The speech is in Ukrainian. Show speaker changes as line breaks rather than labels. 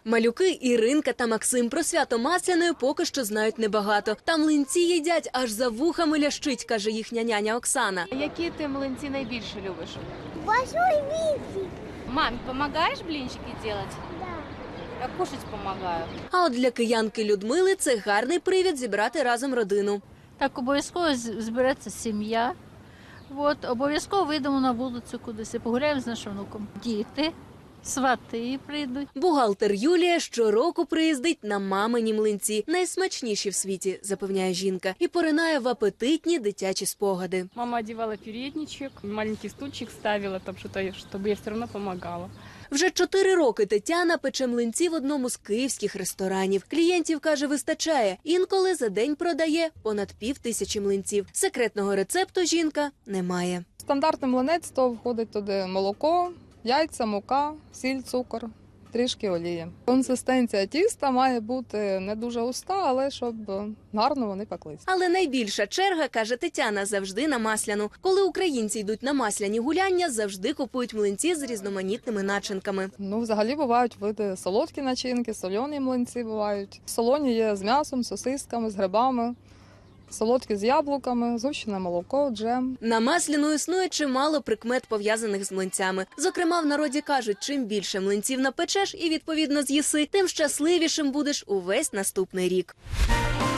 Малюки Іринка та Максим про свято Масляної поки що знають небагато. Та млинці їдять аж за вухами лящить, каже їхня няня Оксана.
Які ти млинці найбільше любиш?
Большой винтик.
Мам, допомагаєш блинчики робити?
Да.
Я кушать допомагаю.
А от для киянки Людмили це гарний привід зібрати разом родину.
Так, обов'язково збереться сім'я. Обов'язково вийдемо на вулицю кудись і погуляємо з нашим внуком. Діти, свати прийдуть.
Бухгалтер Юлія щороку приїздить на мамині млинці. Найсмачніші в світі, запевняє жінка. І поринає в апетитні дитячі спогади.
Мама одевала передничек, маленький стульчик ставила, там что-то, чтобы я все равно помогала.
Вже 4 роки Тетяна пече млинці в одному з київських ресторанів. Клієнтів, каже, вистачає. Інколи за день продає понад 5000 млинців. Секретного рецепту жінка не має.
Стандартний млинець, то входить туди молоко, яйця, мука, сіль, цукор, трішки олії. Консистенція тіста має бути не дуже густа, але щоб гарно вони пеклись.
Але найбільша черга, каже Тетяна, завжди на Масляну. Коли українці йдуть на масляні гуляння, завжди купують млинці з різноманітними начинками.
Взагалі бувають види солодкі начинки, солоні млинці бувають. Солоні є з м'ясом, сосисками, з грибами. Солодкі з яблуками, згущене молоко, джем.
На Масляну існує чимало прикмет, пов'язаних з млинцями. Зокрема, в народі кажуть, чим більше млинців напечеш і, відповідно, з'їси, тим щасливішим будеш увесь наступний рік.